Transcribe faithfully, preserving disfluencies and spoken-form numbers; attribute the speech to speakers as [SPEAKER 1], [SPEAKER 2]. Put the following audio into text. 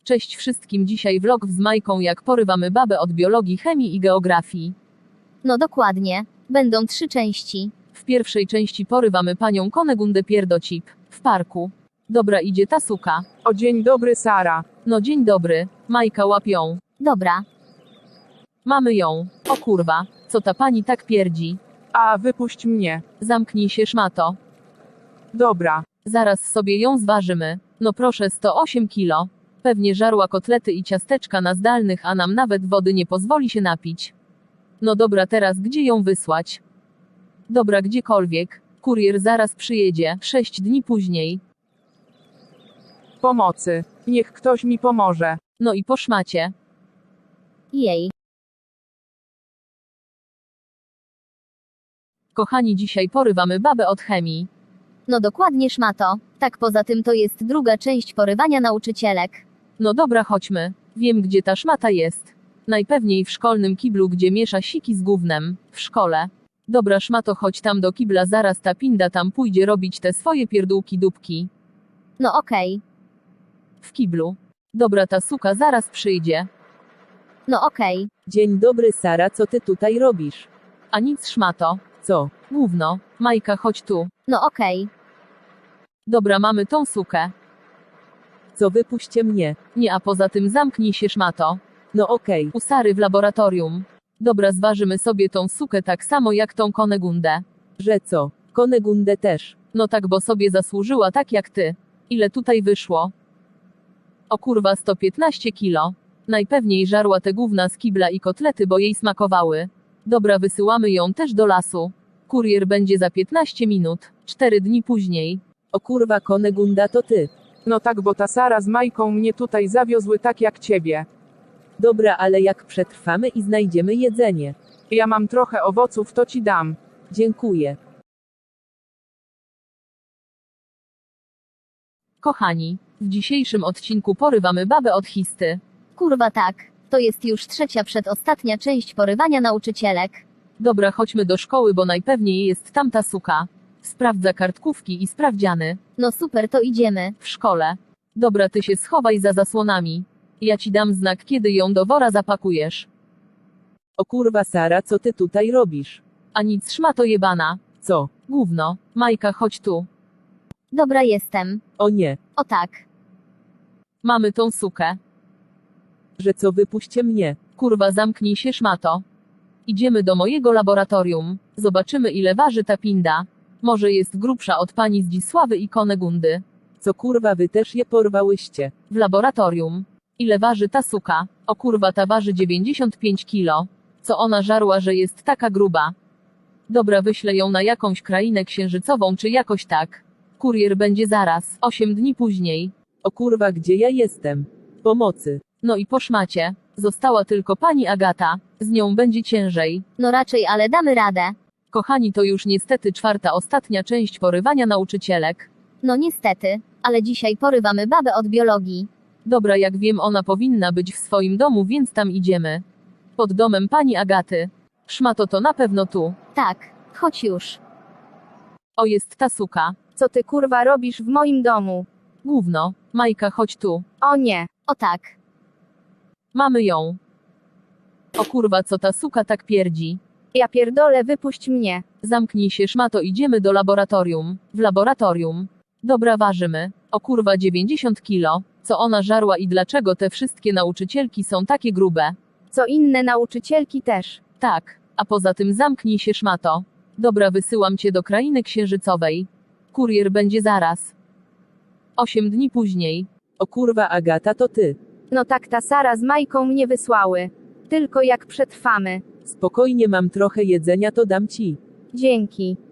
[SPEAKER 1] Cześć wszystkim, dzisiaj vlog z Majką, jak porywamy babę od biologii, chemii i geografii.
[SPEAKER 2] No dokładnie. Będą trzy części.
[SPEAKER 1] W pierwszej części porywamy panią Konegundę Pierdocip w parku. Dobra, idzie ta suka.
[SPEAKER 3] O, dzień dobry, Sara.
[SPEAKER 1] No dzień dobry. Majka, łap ją.
[SPEAKER 2] Dobra.
[SPEAKER 1] Mamy ją. O kurwa, co ta pani tak pierdzi?
[SPEAKER 3] A, wypuść mnie.
[SPEAKER 1] Zamknij się, szmato.
[SPEAKER 3] Dobra.
[SPEAKER 1] Zaraz sobie ją zważymy. No proszę, sto osiem kilo. Pewnie żarła kotlety i ciasteczka na zdalnych, a nam nawet wody nie pozwoli się napić. No dobra, teraz gdzie ją wysłać? Dobra, gdziekolwiek. Kurier zaraz przyjedzie, sześć dni później.
[SPEAKER 3] Pomocy. Niech ktoś mi pomoże.
[SPEAKER 1] No i po szmacie.
[SPEAKER 2] Jej.
[SPEAKER 1] Kochani, dzisiaj porywamy babę od chemii.
[SPEAKER 2] No dokładnie, szmato. Tak, poza tym to jest druga część porywania nauczycielek.
[SPEAKER 1] No dobra, chodźmy. Wiem, gdzie ta szmata jest. Najpewniej w szkolnym kiblu, gdzie miesza siki z gównem. W szkole. Dobra, szmato, chodź tam do kibla, zaraz ta pinda tam pójdzie robić te swoje pierdółki dupki.
[SPEAKER 2] No okej.
[SPEAKER 1] W kiblu. Dobra, ta suka zaraz przyjdzie.
[SPEAKER 2] No okej.
[SPEAKER 4] Dzień dobry, Sara, co ty tutaj robisz?
[SPEAKER 1] A nic, szmato.
[SPEAKER 4] Co?
[SPEAKER 1] Gówno. Majka, chodź tu.
[SPEAKER 2] No okej.
[SPEAKER 1] Dobra, mamy tą sukę.
[SPEAKER 4] Co, wypuśćcie mnie?
[SPEAKER 1] Nie, a poza tym zamknij się, szmato.
[SPEAKER 4] No okej.
[SPEAKER 1] U Sary w laboratorium. Dobra, zważymy sobie tą sukę tak samo jak tą Konegundę.
[SPEAKER 4] Że co? Konegundę też.
[SPEAKER 1] No tak, bo sobie zasłużyła tak jak ty. Ile tutaj wyszło? O kurwa, sto piętnaście kilo. Najpewniej żarła te gówna z kibla i kotlety, bo jej smakowały. Dobra, wysyłamy ją też do lasu. Kurier będzie za piętnaście minut. cztery dni później.
[SPEAKER 4] O kurwa, Konegunda to ty.
[SPEAKER 3] No tak, bo ta Sara z Majką mnie tutaj zawiozły tak jak ciebie.
[SPEAKER 4] Dobra, ale jak przetrwamy i znajdziemy jedzenie?
[SPEAKER 3] Ja mam trochę owoców, to ci dam.
[SPEAKER 4] Dziękuję.
[SPEAKER 1] Kochani, w dzisiejszym odcinku porywamy babę od histy.
[SPEAKER 2] Kurwa tak. To jest już trzecia przedostatnia część porywania nauczycielek.
[SPEAKER 1] Dobra, chodźmy do szkoły, bo najpewniej jest tamta suka. Sprawdza kartkówki i sprawdziany.
[SPEAKER 2] No super, to idziemy.
[SPEAKER 1] W szkole. Dobra, ty się schowaj za zasłonami. Ja ci dam znak, kiedy ją do wora zapakujesz.
[SPEAKER 4] O kurwa, Sara, co ty tutaj robisz?
[SPEAKER 1] A nic, szmato jebana.
[SPEAKER 4] Co?
[SPEAKER 1] Gówno. Majka, chodź tu.
[SPEAKER 2] Dobra, jestem.
[SPEAKER 4] O nie.
[SPEAKER 2] O tak.
[SPEAKER 1] Mamy tą sukę.
[SPEAKER 4] Że co, wypuśćcie mnie?
[SPEAKER 1] Kurwa, zamknij się, szmato. Idziemy do mojego laboratorium. Zobaczymy, ile waży ta pinda. Może jest grubsza od pani Zdzisławy i Konegundy.
[SPEAKER 4] Co kurwa, wy też je porwałyście?
[SPEAKER 1] W laboratorium. Ile waży ta suka? O kurwa, ta waży dziewięćdziesiąt pięć kilo. Co ona żarła, że jest taka gruba? Dobra, wyślę ją na jakąś krainę księżycową czy jakoś tak. Kurier będzie zaraz, osiem dni później.
[SPEAKER 4] O kurwa, gdzie ja jestem? Pomocy.
[SPEAKER 1] No i po szmacie. Została tylko pani Agata. Z nią będzie ciężej.
[SPEAKER 2] No raczej, ale damy radę.
[SPEAKER 1] Kochani, to już niestety czwarta, ostatnia część porywania nauczycielek.
[SPEAKER 2] No niestety. Ale dzisiaj porywamy babę od biologii.
[SPEAKER 1] Dobra, jak wiem, ona powinna być w swoim domu, więc tam idziemy. Pod domem pani Agaty. Szmato, to na pewno tu.
[SPEAKER 2] Tak. Chodź już.
[SPEAKER 1] O, jest ta suka.
[SPEAKER 5] Co ty kurwa robisz w moim domu?
[SPEAKER 1] Gówno. Majka, chodź tu.
[SPEAKER 5] O nie.
[SPEAKER 2] O tak.
[SPEAKER 1] Mamy ją. O kurwa, co ta suka tak pierdzi?
[SPEAKER 5] Ja pierdolę, wypuść mnie.
[SPEAKER 1] Zamknij się, szmato, idziemy do laboratorium. W laboratorium. Dobra, ważymy. O kurwa, dziewięćdziesiąt kilo. Co ona żarła i dlaczego te wszystkie nauczycielki są takie grube?
[SPEAKER 5] Co inne nauczycielki też.
[SPEAKER 1] Tak. A poza tym zamknij się, szmato. Dobra, wysyłam cię do krainy księżycowej. Kurier będzie zaraz. Osiem dni później.
[SPEAKER 4] O kurwa, Agata, to ty.
[SPEAKER 5] No tak, ta Sara z Majką mnie wysłały. Tylko jak przetrwamy.
[SPEAKER 4] Spokojnie, mam trochę jedzenia, to dam ci.
[SPEAKER 5] Dzięki.